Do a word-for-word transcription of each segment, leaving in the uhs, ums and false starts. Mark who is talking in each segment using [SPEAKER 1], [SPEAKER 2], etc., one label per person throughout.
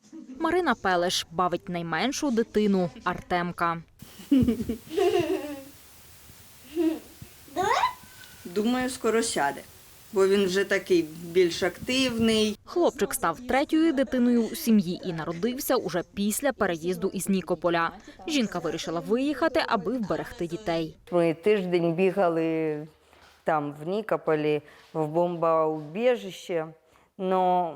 [SPEAKER 1] Марина Пелеш бавить найменшу дитину Артемка.
[SPEAKER 2] Думаю, скоро сяде, бо він вже такий більш активний.
[SPEAKER 1] Хлопчик став третьою дитиною у сім'ї і народився уже після переїзду із Нікополя. Жінка вирішила виїхати, аби вберегти дітей.
[SPEAKER 2] Ми тиждень бігали там в Нікополі, в бомбоубіжище, але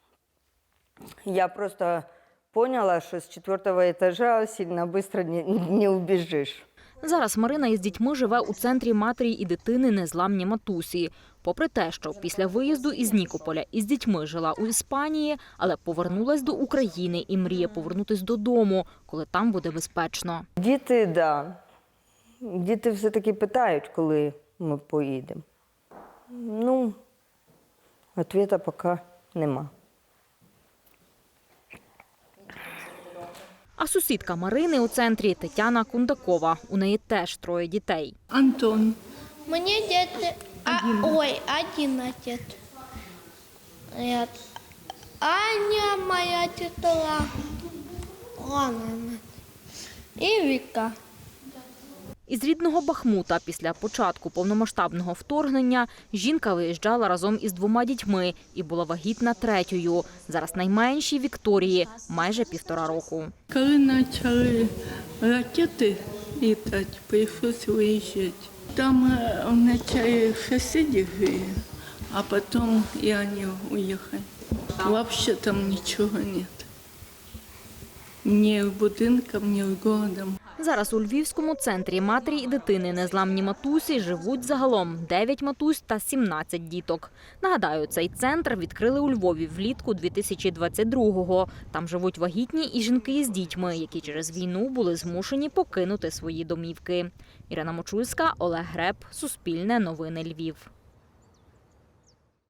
[SPEAKER 2] я просто поняла, що з четвертого етажа сильно швидко не, не убіжиш.
[SPEAKER 1] Зараз Марина із дітьми живе у центрі матері і дитини «Незламні матусі». Попри те, що після виїзду із Нікополя із дітьми жила у Іспанії, але повернулась до України і мріє повернутись додому, коли там буде безпечно.
[SPEAKER 2] Діти, так. Да. Діти все-таки питають, коли ми поїдемо. Ну, відповіді поки нема.
[SPEAKER 1] А сусідка Марини у центрі Тетяна Кундакова. У неї теж троє дітей.
[SPEAKER 3] Антон.
[SPEAKER 4] Мне где-то... А, ой, одиннадцать. Нет. Аня моя тетла. Ладно. И Вика.
[SPEAKER 1] Із рідного Бахмута після початку повномасштабного вторгнення жінка виїжджала разом із двома дітьми і була вагітна третьою. Зараз найменшій Вікторії майже півтора року.
[SPEAKER 3] Коли почали ракети літати, прийшлося виїжджати. Там вначале сусіди жили, а потім і вони уїхали. Взагалі там нічого немає. Ні будинком, ні городом.
[SPEAKER 1] Зараз у Львівському центрі матері і дитини «Незламні матусі» живуть загалом дев'ять матусь та сімнадцять діток. Нагадаю, цей центр відкрили у Львові влітку дві тисячі двадцять другого. Там живуть вагітні і жінки із дітьми, які через війну були змушені покинути свої домівки. Ірина Мочульська, Олег Греб, Суспільне новини Львів.